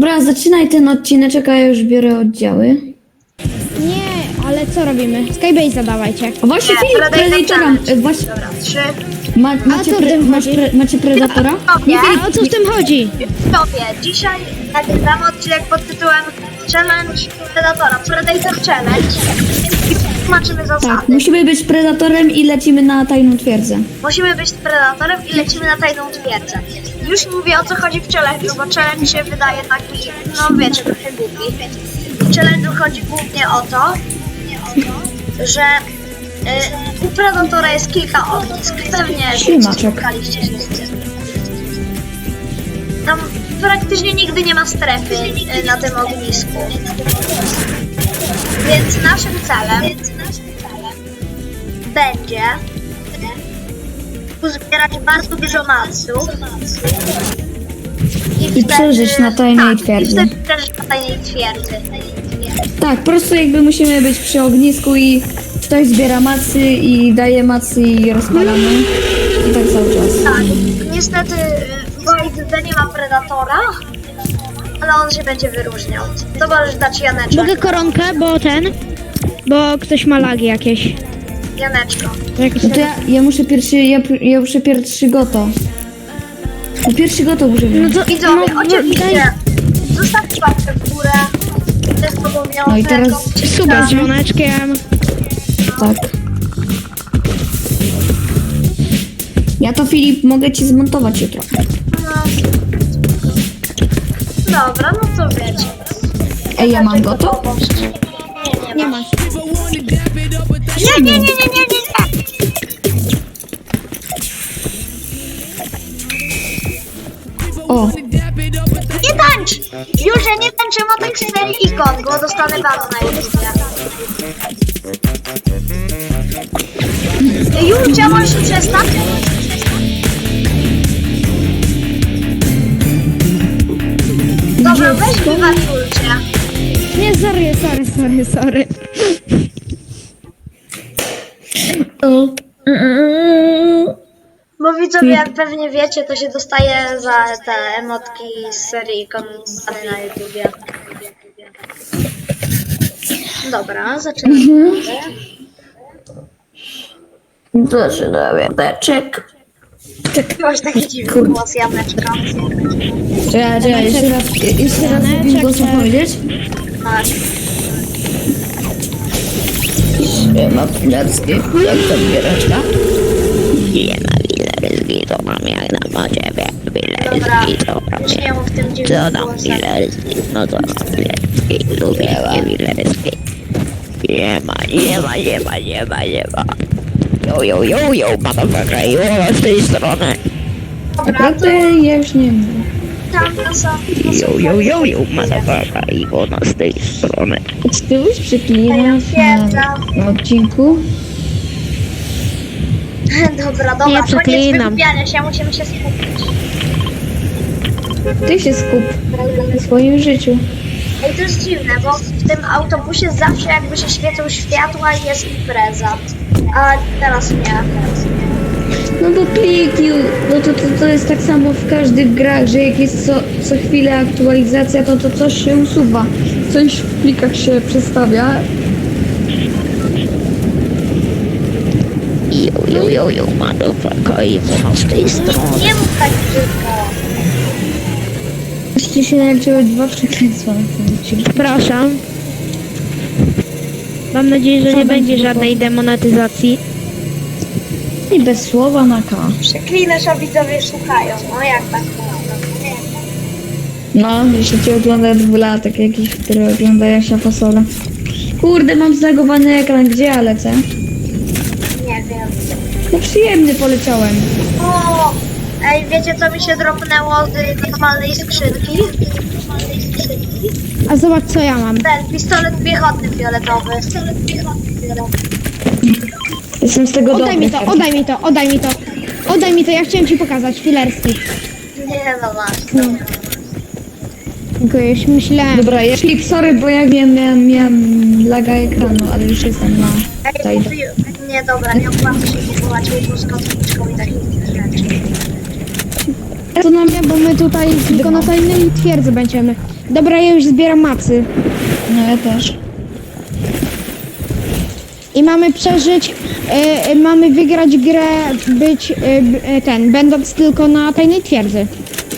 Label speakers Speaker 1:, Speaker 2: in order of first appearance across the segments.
Speaker 1: Dobra, zaczynaj ten odcineczek, a ja już biorę oddziały.
Speaker 2: Nie, ale co robimy? Skybase dawajcie.
Speaker 1: A właśnie
Speaker 3: Nie,
Speaker 1: Filip, Predatora.
Speaker 3: Właśnie... Dobra, 3.
Speaker 1: Macie,
Speaker 2: co w tym chodzi?
Speaker 1: macie Predatora?
Speaker 3: Nie,
Speaker 2: A o co w tym chodzi?
Speaker 3: Tobie, dzisiaj nagrywamy odcinek pod tytułem Challenge Predatora, Predator Challenge. I tłumaczymy zasady.
Speaker 1: Tak, musimy być Predatorem i lecimy na tajną twierdzę.
Speaker 3: Musimy być Predatorem i lecimy na tajną twierdzę. Już mówię o co chodzi w challenge'u, bo challenge mi się wydaje taki, no wiecie, trochę głupi. W challenge'u chodzi głównie o to, że u Predatora jest kilka ognisk. Pewnie
Speaker 1: Ślimaczek.
Speaker 3: spotkaliście się z tym. Tam praktycznie nigdy nie ma strefy na tym ognisku. Więc naszym celem będzie uzbierać bardzo dużo maców
Speaker 1: I przeżyć na tajnej twierdzy.
Speaker 3: I wtedy przeżyć na tajnej twierdzy.
Speaker 1: Tak, po prostu jakby musimy być przy ognisku i ktoś zbiera macy i daje macy i rozpalamy. I tak cały czas.
Speaker 3: Tak, niestety w Void nie ma Predatora, ale on się będzie wyróżniał. To możesz dać Janeczek.
Speaker 2: Mogę koronkę, bo ktoś ma lagi jakieś.
Speaker 3: Janeczko.
Speaker 1: No to ja muszę pierwszy, ja muszę pierwszy goto. No pierwszy goto muszę
Speaker 2: No
Speaker 1: wziąć.
Speaker 2: to
Speaker 3: Widzowie,
Speaker 2: no,
Speaker 3: oczywiście, zostawcie łapkę w górę. To jest obowiązek.
Speaker 1: No i teraz
Speaker 2: suba z dzwoneczkiem.
Speaker 1: tak. Ja to Filip mogę ci zmontować jutro.
Speaker 3: No. Dobra, no to wiecie.
Speaker 1: Ej, ja mam goto?
Speaker 2: Nie ma.
Speaker 3: Nie.
Speaker 1: O,
Speaker 3: Nie tańcz! Już ja nie tańczę motek z serii ikon, bo dostanę bana na YouTubie. Już możesz się przestać? Dobra, weź wybaczulcie.
Speaker 2: Nie, sorry.
Speaker 3: Bo widzowie, jak pewnie wiecie, to się dostaje za te emotki z serii ikon bany na YouTubie. Dobra, zaczynamy.
Speaker 1: zaczynamy beczek.
Speaker 3: Masz taki dziwny głos, Janeczka.
Speaker 1: Czekaj, jeszcze raz zrobić głosu powiedzieć.
Speaker 3: Tak.
Speaker 1: Ma pilarski, jak to biereczka?
Speaker 3: Dobra, już nie mów tym dziwnym głosem.
Speaker 4: Yo, motherfucker, jo, z tej strony.
Speaker 3: Dobra,
Speaker 1: Naprawdę ja już nie wiem.
Speaker 3: tam to są...
Speaker 4: Yo, motherfucker, Iwona z tej strony.
Speaker 1: Czy ty byś przeklinasz na odcinku?
Speaker 3: Dobra,
Speaker 2: Nie
Speaker 3: koniec
Speaker 2: przeklinam.
Speaker 3: wygłupiania się, musimy się skupić.
Speaker 1: Ty się skup na swoim życiu.
Speaker 3: Ej, to jest dziwne, bo w tym autobusie zawsze jakby się świecą światła i jest impreza. A teraz nie.
Speaker 1: No bo kliknij, no to jest tak samo w każdych grach, że jak jest co chwilę aktualizacja, to coś się usuwa. Coś w plikach się przestawia.
Speaker 4: Yo, motherfucker, Iwona z tej strony.
Speaker 3: Nie mów tak brzydko.
Speaker 1: Właściwie się naliczyły 2 przekleństwa na tym odcinku.
Speaker 2: Przepraszam. Mam nadzieję, że nie będzie żadnej demonetyzacji.
Speaker 1: I bez słowa na K.
Speaker 3: Przeklinasz, a widzowie słuchają. No jak tak?
Speaker 1: No, jeśli cię ogląda 2-latek jakiś, który ogląda Jasia Fasola. Kurde, mam zlagowany ekran, gdzie ja lecę?
Speaker 3: Nie wiem.
Speaker 1: No przyjemny poleciałem.
Speaker 3: O! Ej, wiecie co mi się dropnęło z normalnej skrzynki?
Speaker 2: A zobacz co ja mam.
Speaker 3: Ten pistolet piechotny fioletowy.
Speaker 1: Jestem z tego
Speaker 2: Oddaj mi
Speaker 1: dumny.
Speaker 2: to, oddaj mi to, ja chciałem ci pokazać, filerski.
Speaker 3: Nie no właśnie.
Speaker 2: Dziękuję, już myślałem.
Speaker 1: Dobra, ja Filip, sorry, bo ja miałem laga ekranu, ale już jestem na
Speaker 3: Ej,
Speaker 1: tajnie.
Speaker 3: nie dobra, nie opłaca się kupować łóżko z kotwiczką i takich rzeczy.
Speaker 1: To nam
Speaker 2: Nie, bo my tutaj tylko na tajnej twierdzy będziemy. Dobra, ja już zbieram macy.
Speaker 1: No ja też.
Speaker 2: I mamy przeżyć, mamy wygrać grę, będąc tylko na tajnej twierdzy.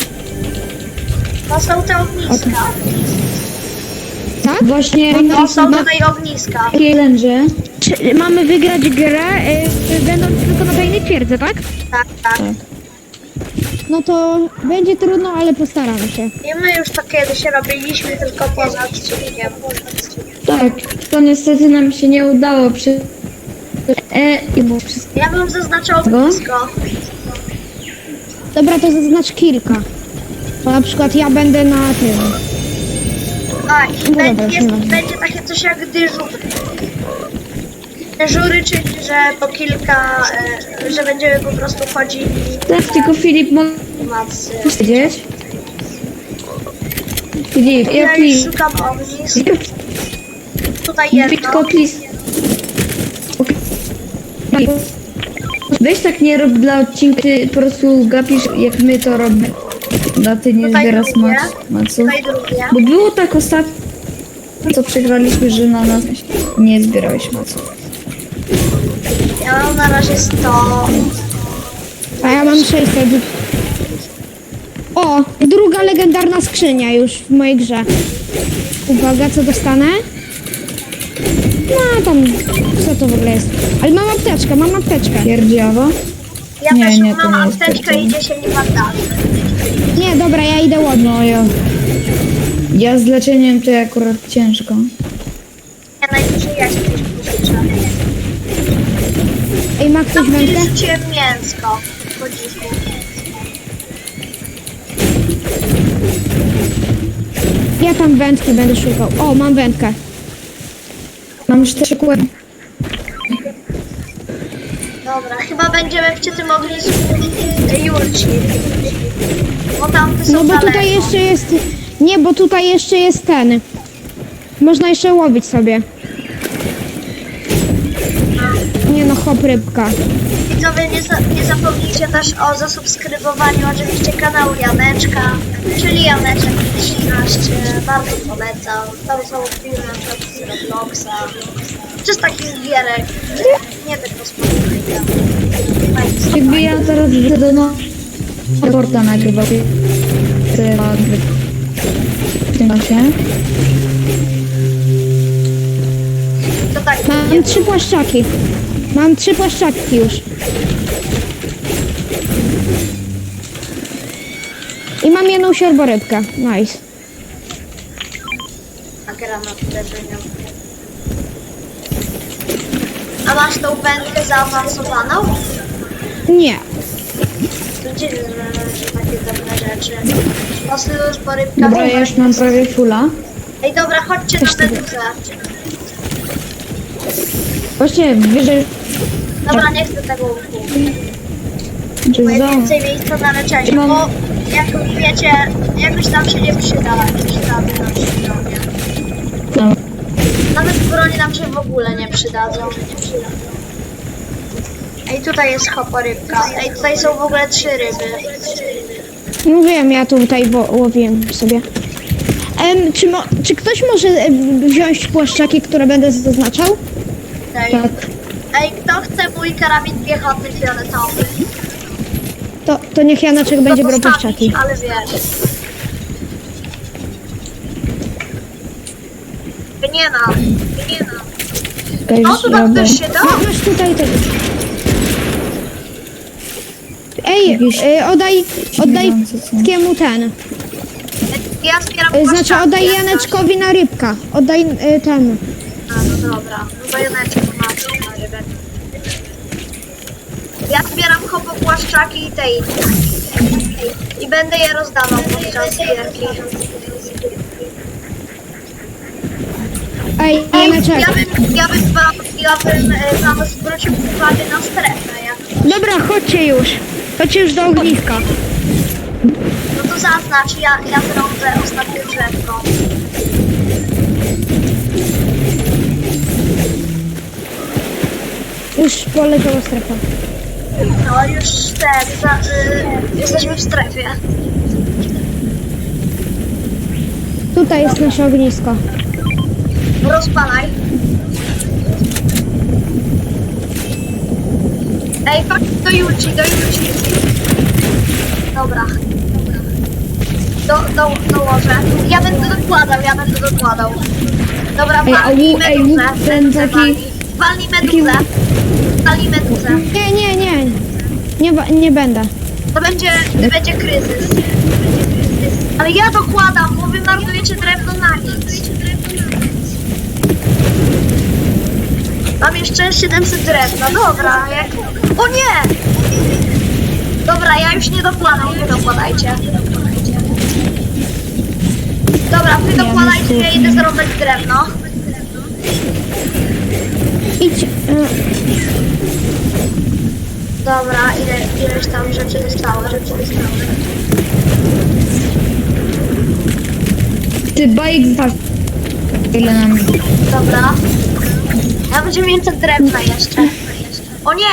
Speaker 3: To są te ogniska.
Speaker 2: Tak?
Speaker 1: Właśnie
Speaker 3: To są tutaj ogniska.
Speaker 1: Lęże.
Speaker 2: Mamy wygrać grę, będąc tylko na tajnej twierdzy, tak?
Speaker 3: Tak, tak.
Speaker 2: No to będzie trudno, ale postaramy się.
Speaker 3: I my już to kiedyś robiliśmy, tylko poza odcinkiem.
Speaker 1: Tak, to niestety nam się nie udało przy... i było wszystko.
Speaker 3: Ja bym zaznaczał ognisko.
Speaker 2: Dobra, to zaznacz kilka. Bo na przykład ja będę na tym.
Speaker 3: A, i
Speaker 2: No dobra,
Speaker 3: będzie takie coś jak dyżur. Dyżury, czyli że po kilka, że będziemy po prostu chodzili
Speaker 1: Tak, tylko Filip może
Speaker 3: macy.
Speaker 1: powiedzieć. Filip,
Speaker 3: Ja
Speaker 1: jaki...
Speaker 3: już szukam ognisk. Tutaj jedno.
Speaker 1: Tylko plis... Weź tak nie rób dla odcinka, ty po prostu gapisz jak my to robimy. No ty nie
Speaker 3: Tutaj
Speaker 1: zbierasz
Speaker 3: drugie.
Speaker 1: maców.
Speaker 3: Tutaj drugie.
Speaker 1: Bo było tak ostatnio, co przegraliśmy, że na nas nie zbierałeś maców.
Speaker 3: Ja mam na razie 100.
Speaker 2: A ja mam 600. O, druga legendarna skrzynia już w mojej grze. Uwaga, co dostanę? No tam, co to w ogóle jest? Ale mam apteczkę.
Speaker 1: Pierdziawa?
Speaker 3: Ja
Speaker 1: Nie,
Speaker 3: też
Speaker 1: nie, to
Speaker 3: mam
Speaker 1: nie jest
Speaker 3: apteczkę i 10 bandaży.
Speaker 2: Nie, dobra, ja idę ładnie.
Speaker 1: No ja z leczeniem to akurat ciężko.
Speaker 3: Ja najwyżej ja się gdzieś pożyczę.
Speaker 2: Ej, ma ktoś
Speaker 3: Tam
Speaker 2: wędkę?
Speaker 3: rzuciłem mięsko. Po dziku.
Speaker 2: Ja tam wędki będę szukał. O, mam wędkę.
Speaker 1: Mam 4 kółek.
Speaker 3: Dobra, chyba będziemy przy tym ognisku Julci. Bo tamte są
Speaker 2: No bo
Speaker 3: daleko.
Speaker 2: tutaj jeszcze jest... Nie, bo tutaj jeszcze jest ten. Można jeszcze łowić sobie. Nie no, hop, rybka.
Speaker 3: Widzowie, nie zapomnijcie też o zasubskrybowaniu oczywiście kanału Janeczka, czyli Janeczek 13. Bardzo polecam. Tam są filmy na przykład z Robloxa, czy z takich gierek, nie tylko z Fortnite'a.
Speaker 1: Jakby ja teraz do porta nagrywał te gry w tym czasie.
Speaker 3: To tak,
Speaker 2: Mam 3 płaszczaki. Mam 3 płaszczaki już. I mam jedną siorborybkę. Nice.
Speaker 3: a gra na uderzeniu. A masz tą wędkę zaawansowaną?
Speaker 2: Nie.
Speaker 3: To dziwne, że takie dobre rzeczy. Mocno już porybka.
Speaker 1: Dobra, ja już mam prawie fulla.
Speaker 3: Ej, dobra, chodźcie na meduzę.
Speaker 1: Właśnie wyżej,
Speaker 3: Dobra, nie chcę tego łuku.
Speaker 1: czy
Speaker 3: Bo jest
Speaker 1: za...
Speaker 3: więcej miejsca na leczenie,
Speaker 1: Mam-
Speaker 3: bo jak wiecie, jakoś tam się nie przyda jakieś rady nam się nie.
Speaker 1: No.
Speaker 3: Nawet broni nam się w ogóle nie przydadzą. Ej, tutaj jest hoporybka. Ej, tutaj są w ogóle 3 ryby.
Speaker 2: No wiem, ja tutaj łowiłem sobie. Czy ktoś może wziąć płaszczaki, które będę zaznaczał?
Speaker 3: Ej,
Speaker 1: Tak.
Speaker 3: ej, kto chce mój karabin piechotny fioletowy?
Speaker 2: To niech Janeczek będzie brał
Speaker 3: Postawić,
Speaker 2: płaszczaki.
Speaker 3: ale wiesz. Nie ma.
Speaker 1: Okej,
Speaker 3: O,
Speaker 1: już
Speaker 3: tu tam
Speaker 1: robię.
Speaker 3: też się da?
Speaker 2: Masz tutaj tego. Ej,
Speaker 1: Jakieś
Speaker 2: oddaj
Speaker 1: śmierdzące są.
Speaker 2: kiemu ten.
Speaker 3: Ja zbieram
Speaker 2: Znaczy
Speaker 3: płaszczaki,
Speaker 2: oddaj
Speaker 3: jak coś.
Speaker 2: Janeczkowi na rybka. Oddaj ten.
Speaker 3: A, no dobra. No to Janeczek ma co na rybę. Ja zbieram płaszczaki i tej. I będę je rozdawał podczas gierki.
Speaker 2: Ej, Janeczek.
Speaker 3: Ja bym wam zwrócił uwagę na strefę. Jak,
Speaker 2: Dobra, chodźcie już do ogniska.
Speaker 3: no to zaznacz, ja zrobię ostatnie drzewko.
Speaker 2: Już poleciała strefa.
Speaker 3: No już jesteśmy w strefie.
Speaker 2: tutaj jest nasze ognisko.
Speaker 3: Rozpalaj. Ej, chodź do Julci. Dobra. Dołożę. Ja będę dokładał. Dobra,
Speaker 1: Ej, a
Speaker 3: walnij
Speaker 1: łuk- ej,
Speaker 3: meduzę.
Speaker 1: łuk ten taki-
Speaker 3: Walnij meduzę. Walnij meduzę.
Speaker 2: Nie będę.
Speaker 3: To będzie kryzys. Ale ja dokładam, bo wy marnujecie drewno na nic. Mam jeszcze 700 drewna, dobra. O nie! Dobra, ja już nie dokładam, wy dokładajcie. Dobra, wy dokładajcie, ja idę zrobić drewno.
Speaker 2: Idź.
Speaker 3: Dobra, ileś tam rzeczy zostało.
Speaker 1: Ty bajek zważ. Ile nam...
Speaker 3: Dobra. Ja będziemy więcej drewna jeszcze. O nie!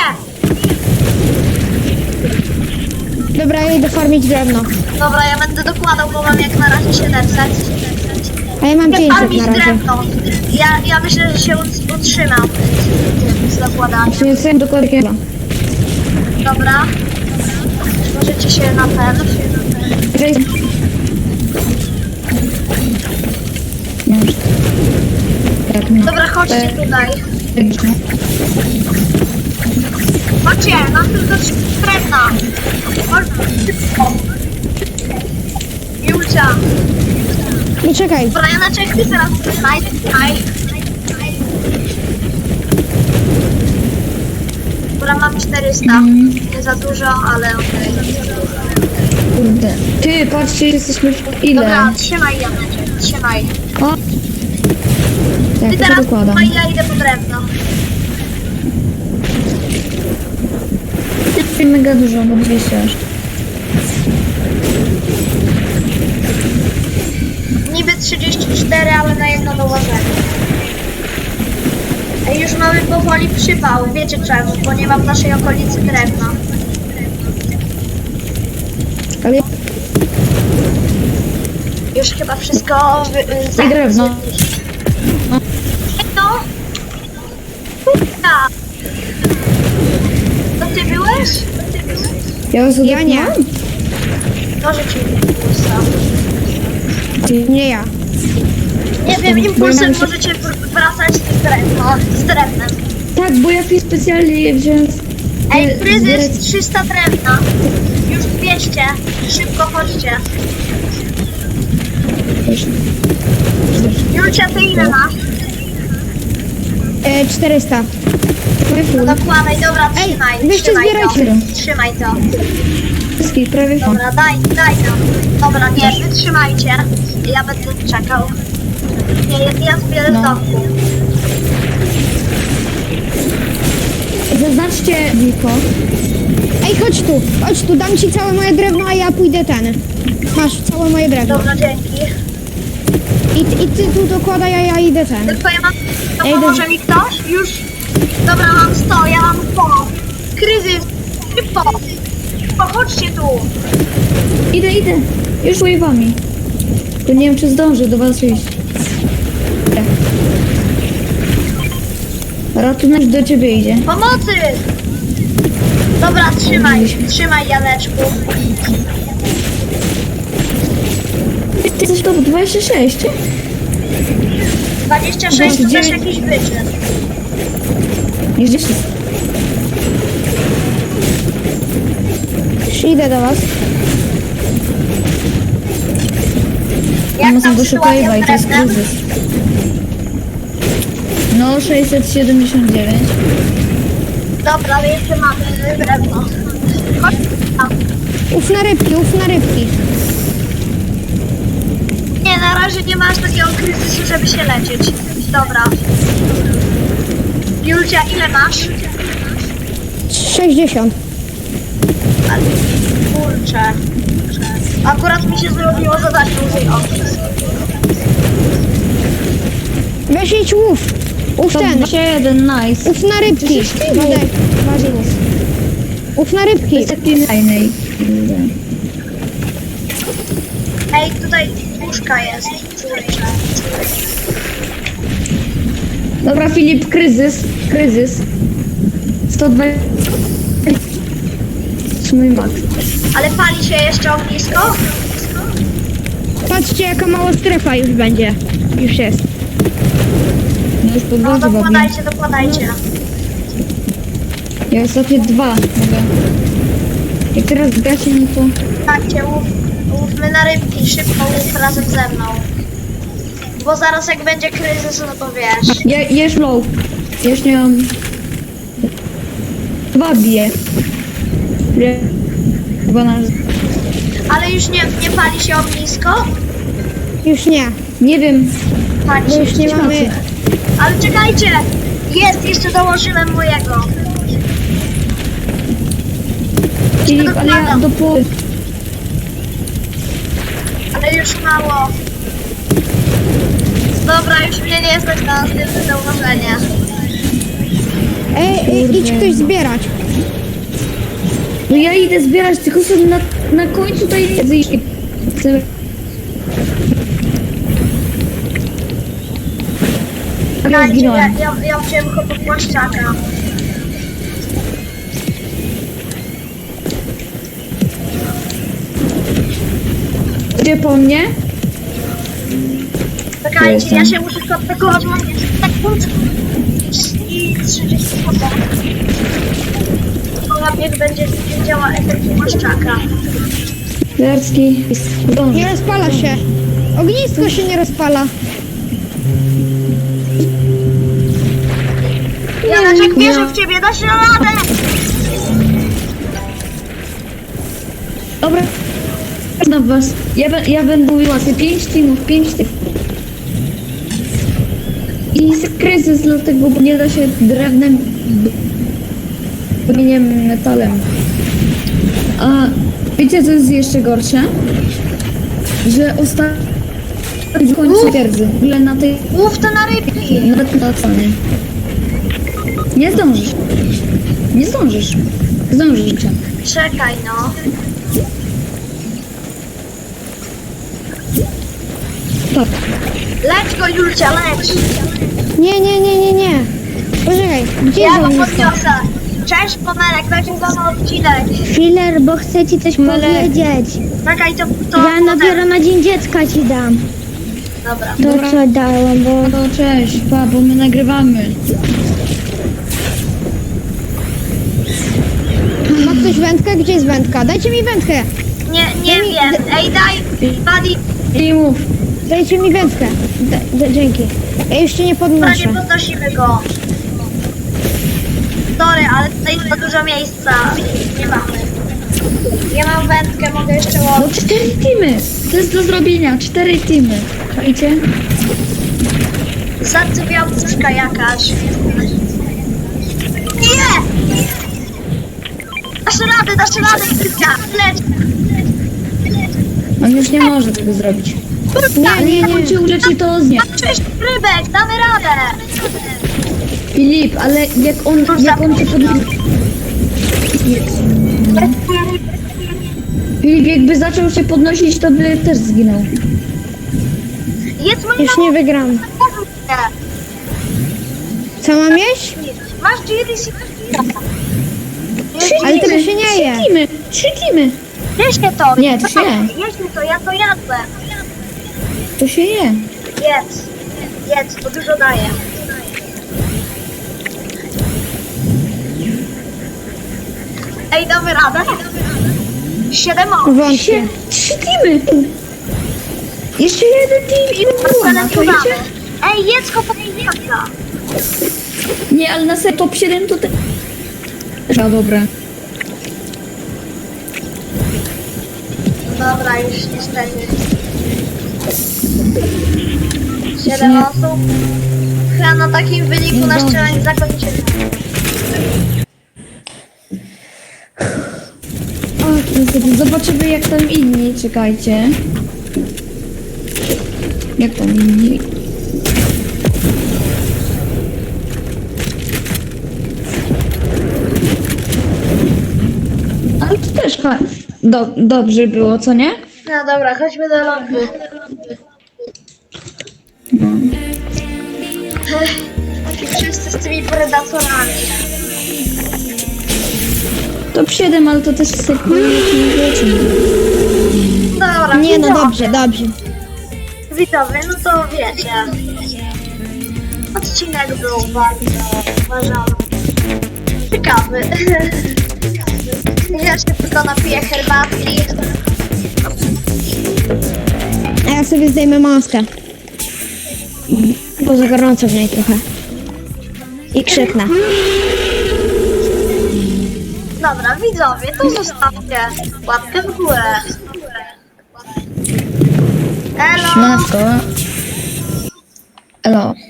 Speaker 2: Dobra, ja idę farmić drewno.
Speaker 3: Dobra, ja będę dokładał, bo mam jak na razie 700.
Speaker 2: A ja mam
Speaker 3: Nie
Speaker 2: 500
Speaker 3: farmić
Speaker 2: na razie.
Speaker 3: drewno. Ja myślę, że się utrzymam z dokładaniem.
Speaker 1: Nie chcę dokładnie.
Speaker 3: Dobra. Możecie się na ten. Dobra, chodźcie tutaj. Chodźcie, mam tylko 3 drewna. Chodźcie szybko. Julcia.
Speaker 2: Nie czekaj.
Speaker 3: Dobra, ja na czekaj teraz znajdę. Dobra, mam 400. Nie za dużo, ale okej.
Speaker 1: Kurde. Ty, patrzcie, jesteśmy w ile?
Speaker 3: Dobra, trzymaj Janeczek, trzymaj.
Speaker 1: O!
Speaker 3: Ty
Speaker 1: Tak, to
Speaker 3: teraz
Speaker 1: dokładam.
Speaker 3: trzymaj, ja idę po drewno.
Speaker 1: Ty mega dużo, bo 200 aż.
Speaker 3: Niby 34, ale na jedno dołożenie. Ej, już mamy powoli przypał. Wiecie czemu? Bo nie ma w naszej okolicy drewna.
Speaker 1: Ale
Speaker 3: Już chyba wszystko
Speaker 1: i drewno.
Speaker 3: No. Ja. To ty byłeś?
Speaker 2: Ja nie.
Speaker 3: Może ci impulsa.
Speaker 2: Nie ja.
Speaker 3: Nie wiem, impulsem
Speaker 1: Bo ja mam
Speaker 3: możecie wracać z drewnem.
Speaker 1: Tak, bo ja tu specjalnie je wziąłem.
Speaker 3: Ej, kryzys 300 drewna. Już 200. Szybko chodźcie. Julcia, ty ile masz?
Speaker 2: 400.
Speaker 3: No dokładaj, dobra,
Speaker 2: Ej,
Speaker 3: trzymaj,
Speaker 2: weźcie
Speaker 3: trzymaj
Speaker 2: zbierajcie.
Speaker 3: to. Trzymaj to.
Speaker 1: Wszystkich prawie full.
Speaker 3: Dobra, daj nam. Dobra, nie, wy trzymajcie. Ja będę czekał. Nie, ja zbierę z domku.
Speaker 1: Zaznaczcie Wiko.
Speaker 2: Ej, chodź tu, dam ci całe moje drewno, a ja pójdę ten. Masz całe moje drewno.
Speaker 3: Dobra, dzięki.
Speaker 2: I ty tu dokładaj, a ja idę ten.
Speaker 3: Tylko ja mam... To
Speaker 2: Ej,
Speaker 3: pomoże mi ktoś? Już? Dobra, mam 100, ja mam 100. Kryzys, szybko. Chodźcie tu.
Speaker 1: Idę. Już wami. To nie wiem, czy zdążę do was iść. Ratunek do ciebie idzie.
Speaker 3: Pomocy! Dobra, trzymaj Janeczku.
Speaker 1: Ty jesteś top 26.
Speaker 3: 26 to też jakiś wyczyn.
Speaker 1: Nie gdzieś.
Speaker 2: Już idę do was.
Speaker 3: Jak
Speaker 1: Mamy
Speaker 3: tam
Speaker 1: do
Speaker 3: sytuacja
Speaker 1: Szukajwa i
Speaker 3: z
Speaker 1: to jest
Speaker 3: drewnem?
Speaker 1: kryzys. No, 679.
Speaker 3: Dobra, ale jeszcze mamy drewno. Chodź tam.
Speaker 2: Uf na rybki.
Speaker 3: Nie, na razie nie masz takiego kryzysu, żeby się lecieć. Dobra. Julcia, ile masz?
Speaker 2: 60.
Speaker 3: Ale kurczę. Akurat mi się zrobiło zadanie użyj office.
Speaker 2: Weź idź łów. Uf
Speaker 1: To
Speaker 2: ten.
Speaker 1: 21, nice.
Speaker 2: Uf na rybki. Wadek, uf na rybki.
Speaker 1: To jest taki fajny.
Speaker 3: Ej, tutaj puszka jest. Kurczę.
Speaker 1: Dobra, Filip, kryzys. 120. Mój max.
Speaker 3: Ale pali się jeszcze ognisko?
Speaker 2: Patrzcie, jaka mała strefa już będzie. Już jest.
Speaker 1: No już pod
Speaker 3: No
Speaker 1: wodę bawię.
Speaker 3: dokładajcie.
Speaker 1: Ja ostatnie 2 mogę. Jak teraz gacie, no to...
Speaker 3: Dajcie, łówmy na rybki, szybko łów razem ze mną. Bo zaraz jak będzie kryzys, no to wiesz.
Speaker 1: Ja już low. Ja już nie mam... 2 bije. Nie. 12.
Speaker 3: Ale już nie pali się ognisko?
Speaker 2: Już nie.
Speaker 1: Nie wiem.
Speaker 3: Pali
Speaker 2: Bo
Speaker 3: się.
Speaker 2: już nie mamy...
Speaker 3: Ale czekajcie! Jest, jeszcze dołożyłem mojego.
Speaker 1: Filip, ale ja do połowy.
Speaker 3: Ale już mało. Dobra, już mnie nie stać na następne zauważenie.
Speaker 2: idź ktoś zbierać.
Speaker 1: No ja idę zbierać, tylko sobie na końcu tutaj nie chcę. Ja
Speaker 3: Czekajcie,
Speaker 1: zginąłem.
Speaker 3: ja wziąłem go pod płaszczaka.
Speaker 1: Gdzie po mnie?
Speaker 3: Czekajcie, ja się muszę kontaktować, mam sekund i 30 sekund. Niech będzie działa efekt płaszczaka.
Speaker 1: Jarski.
Speaker 2: Nie rozpala się. Ognisko się nie rozpala.
Speaker 3: Janeczek, wierzę w ciebie, dasz radę!
Speaker 1: Dobra. Na was. Ja będę mówiła sobie 5 teamów. I jest kryzys, dlatego bo nie da się drewnem, kamieniem, metalem. A wiecie co jest jeszcze gorsze? Że ostatnio w końcu twierdzy. W ogóle na tej...
Speaker 3: Łów to na rybki!
Speaker 1: Na cenie. Nie zdążysz. Zdążysz.
Speaker 3: Czekaj no.
Speaker 1: Tak.
Speaker 3: Leć go, Julcia, leć!
Speaker 2: Nie. Poczekaj, gdzie
Speaker 3: Ja
Speaker 2: jest
Speaker 3: go
Speaker 2: ognisko?
Speaker 3: podniosę. Cześć, Pomelek, nagrywamy odcinek.
Speaker 5: Filer, bo chcę ci coś powiedzieć.
Speaker 3: Czekaj, to
Speaker 5: Ja dopiero na Dzień Dziecka ci dam.
Speaker 3: Dobra.
Speaker 5: To
Speaker 1: Dobra.
Speaker 5: co dałam, bo...
Speaker 1: No cześć, pa, bo my nagrywamy.
Speaker 2: Ma ktoś wędkę? Gdzie jest wędka? Dajcie mi wędkę.
Speaker 3: Nie wiem. Ej, daj, Buddy,
Speaker 1: I mów.
Speaker 2: Dajcie mi wędkę. Dzięki. Ja już cię nie
Speaker 3: prawie
Speaker 2: podnoszę.
Speaker 3: podnosimy go. Sorry, ale tutaj jest za dużo miejsca. Nie mamy. Ja mam wędkę, mogę jeszcze
Speaker 1: No
Speaker 3: łowić.
Speaker 1: 4 teamy. To jest do zrobienia. 4 teamy. Wiecie?
Speaker 3: Zadzywiała puszka jakaś. Nie! Dasz radę, Krysia, leć!
Speaker 1: On już nie może tego zrobić.
Speaker 2: Nie.
Speaker 1: On ci uleczy to z nie.
Speaker 3: Cześć, rybek, damy radę!
Speaker 1: Filip, ale jak on cię podniesie... Filip, jakby zaczął się podnosić, to by też zginął.
Speaker 3: Jest mój
Speaker 2: Już nie wygram. Co mam jeść?
Speaker 3: Masz GDC.
Speaker 2: Ale tego się nie je.
Speaker 1: 3 teamy.
Speaker 3: Jeźdźcie to.
Speaker 1: Nie, to się je.
Speaker 3: Jeźdźcie to, ja to jadłem.
Speaker 1: To się je.
Speaker 3: Jedz, to dużo daje. Ej, damy radę? 7 osób.
Speaker 2: Wątpię.
Speaker 1: 3 teamy. Jeszcze jeden team i
Speaker 3: Marcelem
Speaker 1: to
Speaker 3: tu damy.
Speaker 1: idzie?
Speaker 3: Ej, jedz go po miejsca.
Speaker 1: Nie, ale na top 7 to te... No dobra.
Speaker 3: Dobra, już niestety. 7 osób. Chyba na takim wyniku nasz challenge zakończymy.
Speaker 1: O, niestety, zobaczymy jak tam inni, czekajcie. Jak tam inni? Ale to też dobrze było, co nie?
Speaker 3: No dobra, chodźmy do lobby. I wszyscy z tymi predatorami.
Speaker 1: Top 7, ale to też sekund, nie wiecie.
Speaker 3: Dobra,
Speaker 2: Nie no,
Speaker 3: widzowie.
Speaker 2: dobrze, dobrze.
Speaker 3: Widzowie, no to wiecie. Odcinek był bardzo, uważam, ciekawy. Ja się tylko napiję herbatki.
Speaker 2: A ja sobie zdejmę maskę. Bo za gorąco w niej trochę. I krzyknę.
Speaker 3: Dobra, widzowie, to zostawcie łapkę w górę. Elo!
Speaker 6: Siemaneczko. Elo.